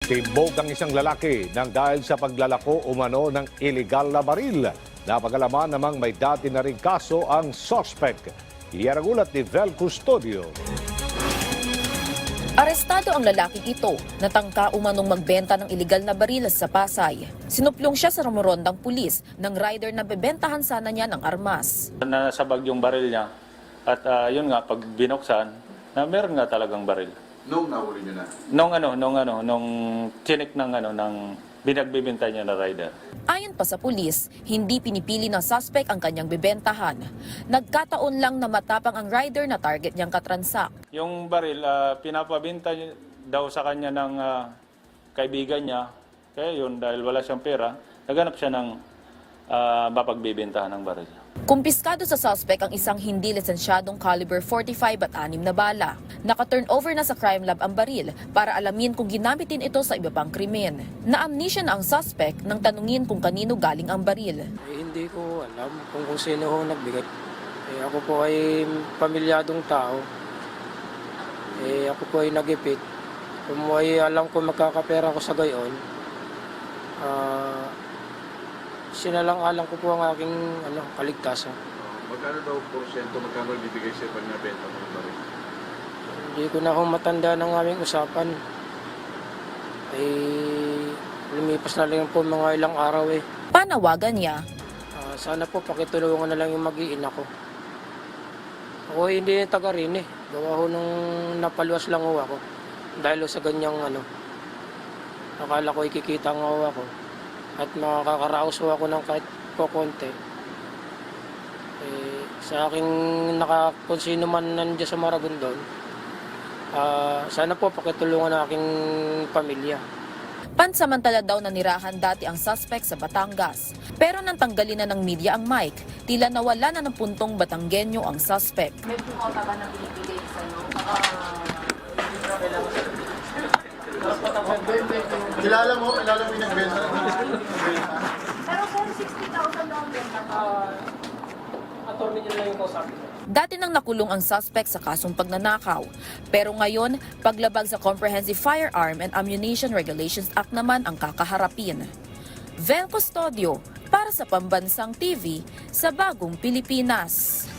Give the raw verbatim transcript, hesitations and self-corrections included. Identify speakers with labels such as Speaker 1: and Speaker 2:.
Speaker 1: Timbog ang isang lalaki nang dahil sa paglalako umano ng illegal na baril. Napagalaman namang may dati na rin kaso ang suspect. Iyan ang ulat ni Vel Custodio.
Speaker 2: Arestado ang lalaking ito, natangka umanong magbenta ng iligal na baril sa Pasay. Sinuplong siya sa rumorondang pulis ng rider na bebentahan sana niya ng armas.
Speaker 3: Nasabag yung baril niya at uh, yun nga, pag binuksan, na meron nga talagang baril.
Speaker 4: Nung nahuli niyo na?
Speaker 3: Nung ano, nung ano, nung chinik ng ano, ng binagbibintay niya na rider.
Speaker 2: Ayon pa sa pulis, hindi pinipili ng suspect ang kanyang bebentahan. Nagkataon lang na matapang ang rider na target niyang katransak.
Speaker 3: Yung baril, uh, pinapabinta niya daw sa kanya ng uh, kaibigan niya. Kaya yun, dahil wala siyang pera, naghanap siya ng uh, mapagbibintahan ng baril.
Speaker 2: Kumpiskado sa suspect ang isang hindi lisensyadong caliber forty-five at anim na bala. Naka-turn over na sa crime lab ang baril para alamin kung ginamit din ito sa iba pang krimen. Na-amnesia na ang suspect nang tanungin kung kanino galing ang baril.
Speaker 5: Eh, hindi ko alam kung, kung sino ho nagbigay. Eh, ako po ay pamilyadong tao. Eh, ako po ay nagipit. Kung ay alam ko magkakapera ko sa gayon, ah... Uh, sinalang-alang ko po ang aking ano, kaligtasan.
Speaker 4: Uh, magkano daw porsyento, magkano bibigay siya pag nabenta mo yung baril?
Speaker 5: Hindi ko na ho matanda ng aming usapan. Ay lumipas na lang po mga ilang araw eh.
Speaker 2: Panawagan niya.
Speaker 5: Uh, sana po pakitulungan na lang yung mag-iina ko. Ako hindi taga rin eh. Gawa ho nung napaluwas lang ho ako. Dahil ho sa ganyang ano. Akala ko ikikita nga ho ako. At makakaraos ako ng kahit po konti. Eh, sa aking nakakonsino man nandiyan sa Maragondon, uh, sana po pakitulungan ng aking pamilya.
Speaker 2: Pansamantala daw nanirahan dati ang suspect sa Batangas. Pero nang tanggalin na ng media ang mic, tila nawala na ng puntong Batanggenyo ang suspect.
Speaker 6: May pumota ba na binibigay sa'yo?
Speaker 4: Kilala mo? Kilala mo yung nagbenta?
Speaker 6: Pero kung sixty thousand daw ang benta ko.
Speaker 5: Attorney niya lang yung kausapin.
Speaker 2: Dati nang nakulong ang suspect sa kasong pagnanakaw. Pero ngayon, paglabag sa Comprehensive Firearm and Ammunition Regulations Act naman ang kakaharapin. Vel Custodio, para sa Pambansang T V, sa Bagong Pilipinas.